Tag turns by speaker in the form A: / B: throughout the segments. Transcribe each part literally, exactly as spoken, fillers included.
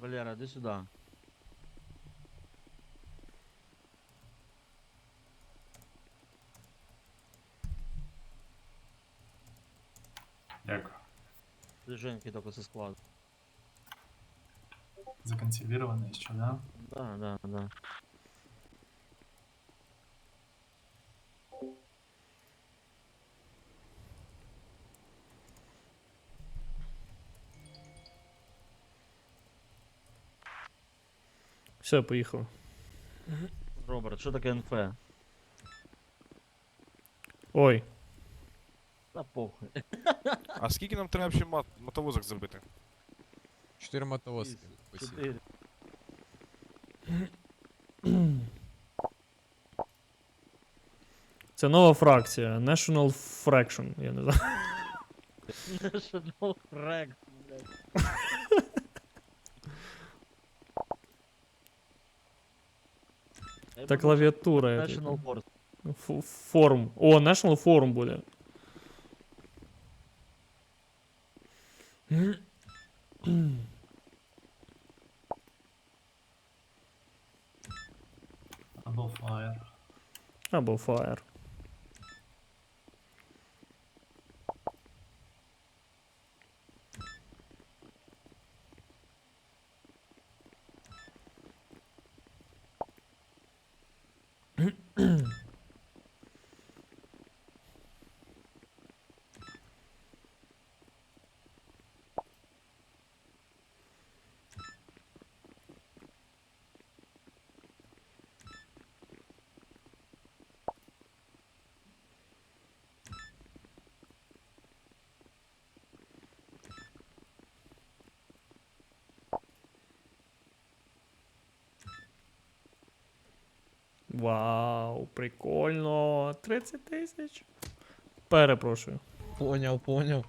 A: Валера, иди сюда.
B: Дякую.
A: Движеньки только со склада.
B: Законсервированное еще, да?
A: Да, да, да.
C: Все, поїхали.
A: Роберт, що таке НФ?
C: Ой,
A: Та похуй.
D: А скільки нам треба ще мат- мотовозок зробити?
E: Чотири мотовозки. Посів.
A: Чотири.
C: це нова фракція. National Fraction, я не знаю.
A: National Frag, блядь. Я
C: Та
A: подумав,
C: клавіатура.
A: що National Force.
C: Ф- Форум. О, National Forum буде.
B: Або Fire.
C: Або Fire. Вау, прикольно. тридцять тисяч. Перепрошую.
E: Поняв, поняв.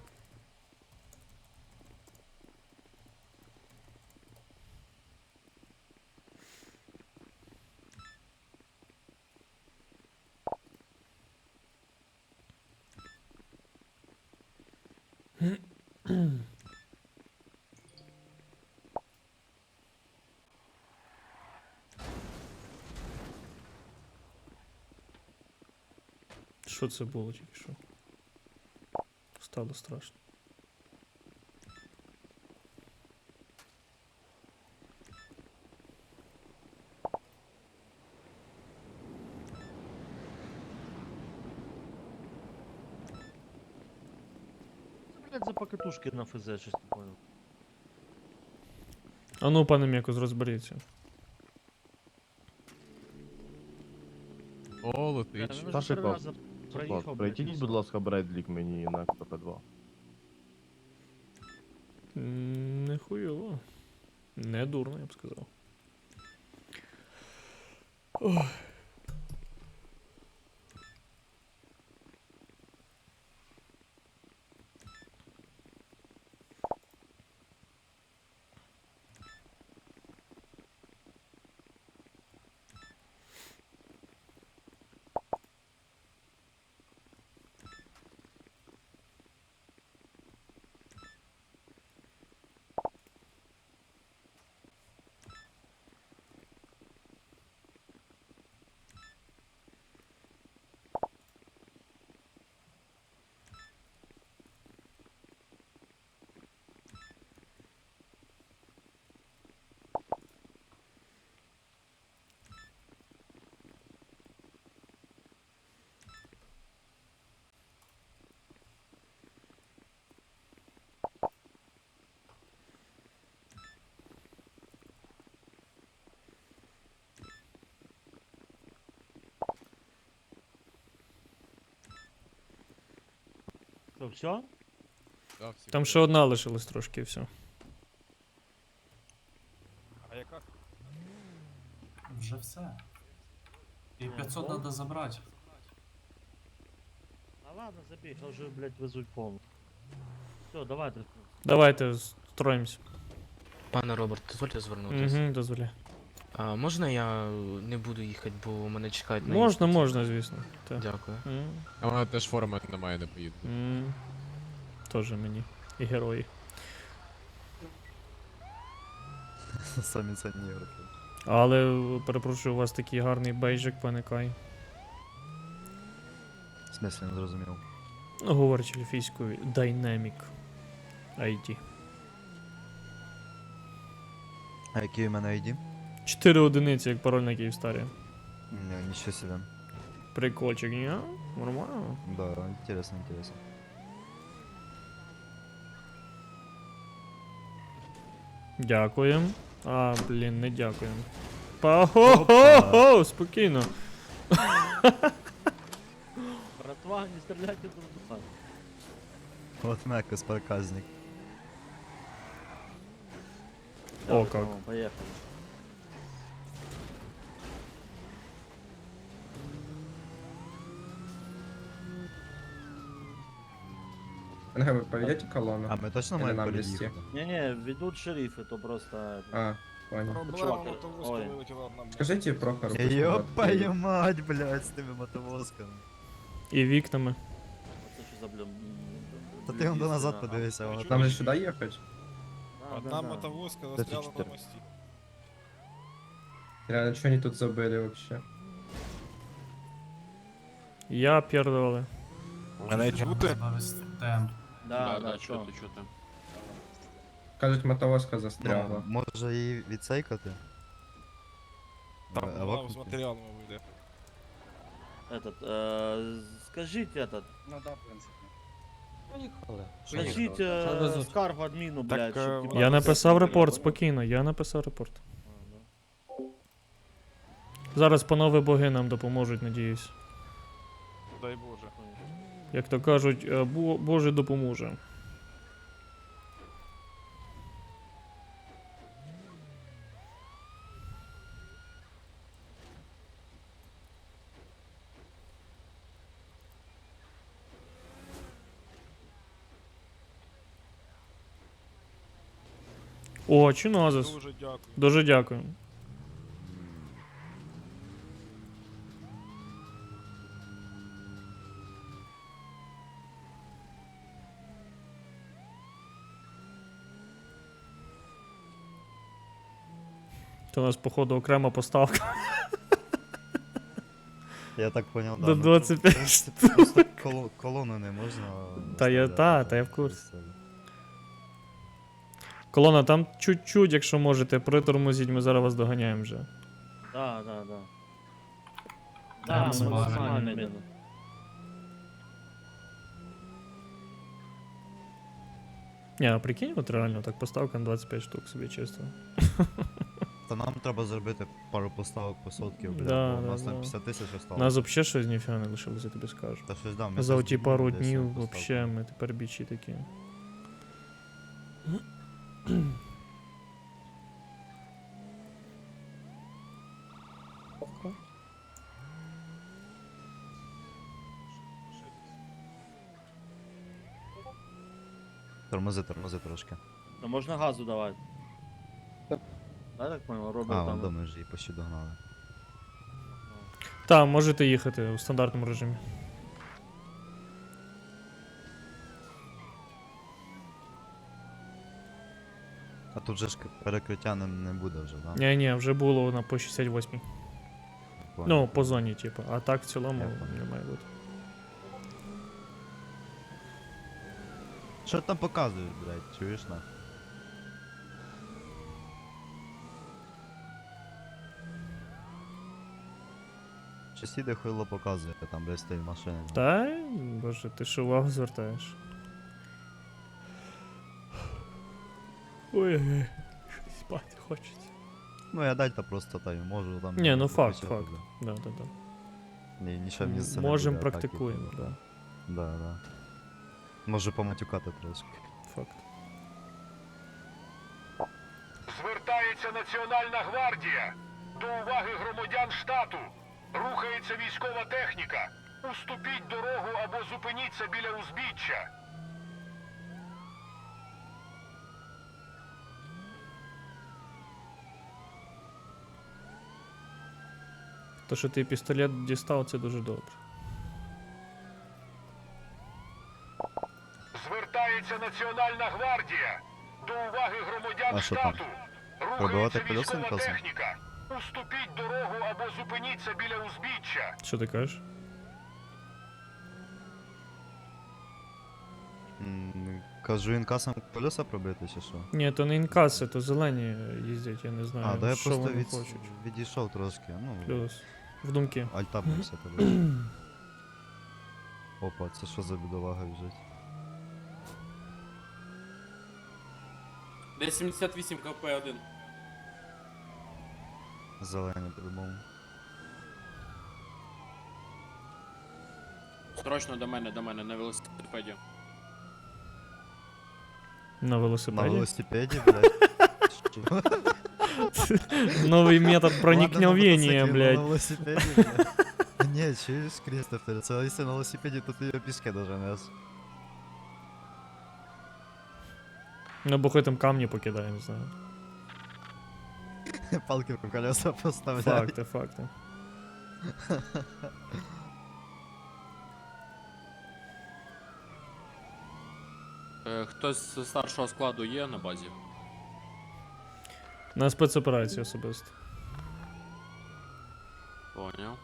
C: Що це було тільки що? Стало страшно.
A: Це, блядь, за покатушки на ФЗ, щось не понял.
C: А ну, пане М'якос, розберіться.
E: О,
A: Бля,
E: летить.
A: ну,
F: Та
A: вже три
F: шикав.
A: рази проїхав, блядь, і
F: Пройдіть, будь
A: все.
F: ласка, Бредлік мені на КП два.
C: М, Не хуйово. Не дурно, я б сказав. Ой.
A: Що, все?
E: Да, всі
C: Там
E: готові.
C: ще одна лишилась трошки і все.
D: А яка?
B: Вже все. І
A: Ні,
B: п'ятсот
A: ну.
B: треба забрати.
A: А ладно, забіг, а вже, блядь, везуть повну. Все, давайте.
C: Давайте строїмось.
G: Пане Роберт, дозвольте звернутися.
C: Угу, дозволяй.
G: А можна я не буду їхати, бо мене чекають на
C: Можна,
G: іспиті?
C: можна, звісно. Так.
G: Дякую.
C: М,
E: А вона теж форми немає, не поїду.
C: м. Тоже мені. І герої.
H: Самі цінні ігроки.
C: Але, перепрошую, у вас такий гарний бейджик, пане Кай.
H: В смислі, не зрозумів.
C: Ну, говорячи ельфійською, Dynamic ай ді.
H: А який у мене ай ді?
C: Чотири одиниці, як пароль на Київстарі.
H: Ні, нічого собі.
C: Прикольчик, ні? Нормально.
H: Да, інтересно, інтересно.
C: Дякуємо. А, блін, не дякуємо. Па-хо-хо-хо! Спокійно.
A: Братва, не стріляйте друг друга.
H: От Мекас проказник.
C: О,
A: Давай,
C: как.
A: по-моему, Поехали.
I: НГ, вы поведете колонну?
H: А ми точно
I: Или
H: маємо
I: нам
H: переїхати?
I: вести?
A: Не-не, ведут шерифы, то просто... это,
I: А, понял.
D: Проблема
A: чувак,
D: мотовозка
A: ой.
D: вилетіла одна, блядь.
I: Скажите Прохору. пусть он
H: Ёпаю
I: отъедет.
H: мать, блядь, з тими мотовозками.
C: І вікнами.
A: Это что за, блин...
H: Та ти он до назад подивися, воно
D: Чё?
I: Нам же сюда ехать?
D: Одна мотовозка застряла на
H: чотири.
D: мості.
I: Реально, что они тут забыли вообще?
C: Я п'єрдували.
D: Мене чути?
B: Треба вести темп.
A: Да, да, что?
I: Кажуть, мотовозка
H: Ну,
I: застряла.
H: може її відсейкати?
D: Там
H: Е,
D: вона з
H: евакуйте.
D: матеріалами вийде.
A: Этот, э, скажите этот,
I: Ну да, в принципе.
A: скажите э, Скаргу админу, блядь,
D: Так,
A: чтоб,
D: э,
A: типа,
C: Я написав
A: понял?
C: репорт, спокійно, я написав репорт.
A: А, да.
C: Зараз панове боги нам допоможуть, надіюсь.
D: Дай Боже.
C: Як то кажуть, е, Бо- Боже допоможе. О, Чинозис.
D: Дуже дякую.
C: Дуже дякую. Це у нас, походу, окрема поставка.
H: Я так поняв,
C: До
H: ну,
C: двадцять
H: в
C: п'ять
H: принципі, Просто коло- колону не можна.
C: Та я-
H: виставляти,
C: та,
H: так,
C: та я в курсі.
H: виставляти.
C: Колона, там чуть-чуть, якщо можете, притормозіть, ми зараз вас доганяємо вже.
A: Да, да, да.
B: Да,
A: Да,
B: максимально
A: максимально
B: медленно.
A: медленно.
C: Ні, а прикинь, от реально так поставка на двадцять п'ять штук собі чисто.
H: Та нам треба зробити пару поставок по сотки, блядь,
C: Да,
H: бо у
C: да,
H: нас там
C: да.
H: п'ятдесят тисяч
C: У
H: осталось.
C: нас взагалі щось ніфіга не лишилось, я тобі скажу.
H: Та щось да, ми
C: За
H: щось
C: оті пару
H: десь
C: днів
H: поставку.
C: вообще ми тепер бічі такі.
H: Тормози, тормози трошки.
A: Да можно газу давать. Да, так понял, Роберт
H: А, вон
A: там.
H: дома вже її почти догнали.
C: Так, можете їхати у стандартному режимі.
H: А тут же ж к- перекриття не, не буде вже, да?
C: Ні, ні, вже було на по шістдесят восьмій.
H: Понял.
C: Ну, по зоні, типу. А так в цілому
H: Я понял.
C: не має бути.
H: Що там показують, блядь, чуєш на? Щось іде хуйло показує, там, блядь, стоїть машина.
C: Та, боже, ти що увагу звертаєш? Ой-ой-ой, щось спати хочеться.
H: Ну я дать-то просто та й можу там...
C: Ні, ну факт,
H: покричати,
C: факт.
H: да.
C: Да, да, да.
H: Ні, нічого мені це не
C: Можем,
H: буде, а так і-
C: практикуємо, да.
H: Да, да. Можу поматюкати трошки.
C: Факт.
J: Звертається Національна гвардія. До уваги громадян штату. Рухається військова техніка. Уступіть дорогу або зупиніться біля узбіччя.
C: То, що ти пістолет дістав, це дуже добре.
J: Звертається Національна гвардія. До уваги громадян
H: А що там?
J: штату.
H: Пробивати
J: Рухається
H: колеса
J: військова
H: інкасом?
J: техніка. Уступіть дорогу або зупиніться біля узбіччя.
C: Що ти кажеш?
H: М, Кажу, інкасом колеса пробити чи що?
C: Ні, то не інкаси, то зелені їздять, я не знаю,
H: А, да я
C: що
H: просто
C: вони
H: від...
C: хочуть.
H: відійшов трошки, ну,
C: Плюс. В думки.
H: альтабнувся тобі. Опа, це що за бідолага біжить?
K: Десь сімдесят вісім КП один.
H: Зелені по-любому.
K: Срочно до мене, до мене, на велосипеді.
C: На
H: На
C: велосипеді.
H: велосипеді, блядь. Що?
C: Новий метод
H: Ладно, на
C: проникновения,
H: мотоциклі, но На
C: блядь.
H: велосипеді, блядь. Ні, чуєш, Крістофер, це якщо на велосипеді, то ти його пішки доженеш.
C: Ну, бо хоч там камні покидає, не знаю.
H: Палки в колеса поставляй.
C: Факти, факти.
K: Е, хтось з старшого складу є на базі?
C: На спецоперації особисто.
K: Поняв.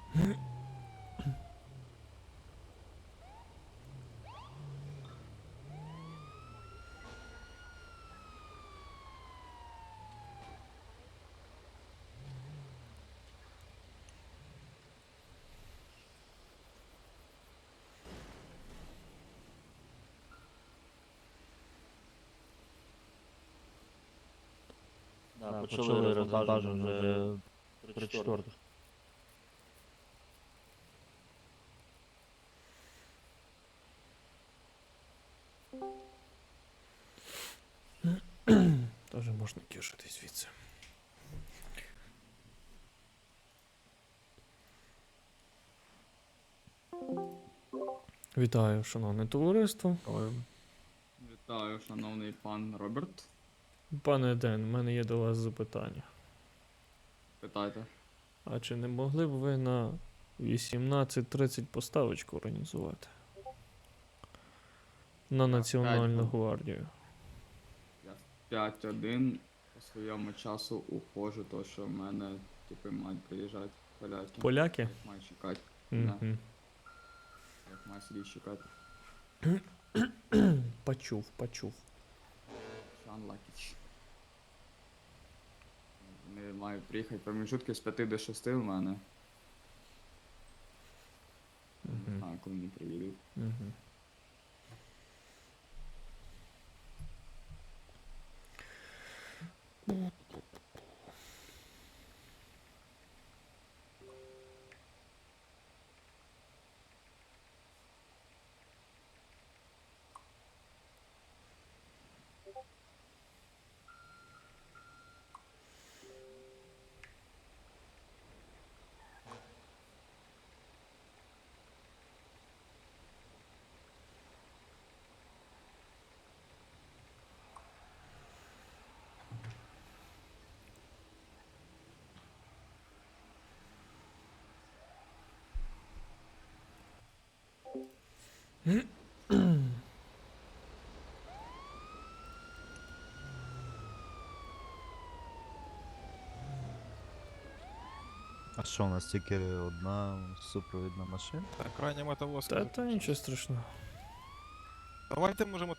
A: Да, почали розвантаження вже три четвертих.
C: Тоже можна кишити звідси. Вітаю, шановне товариство.
K: Вітаю, шановний пан Роберт.
C: Пане Ден, в мене є до вас запитання.
K: Питайте.
C: А чи не могли б ви на вісімнадцять тридцять поставочку організувати? На Національну
K: п'ять.
C: гвардію.
K: Я в п'ять один по своєму часу ухожу, то що в мене типи мають приїжджати поляки.
C: Поляки?
K: Як маю чекати.
C: Угу.
K: Як маю сидіти чекати.
C: Почув, почув.
K: Шан Лакіч. Вони мають приїхати проміжутки з п'яти до шести в мене. Не
C: Угу.
K: знаю, коли вони приїдуть.
C: Угу.
H: А що, у нас тільки одна супровідна машина?
D: Так, крайня мотовозка.
C: Та, та нічого страшного.
D: Давайте може мотовозку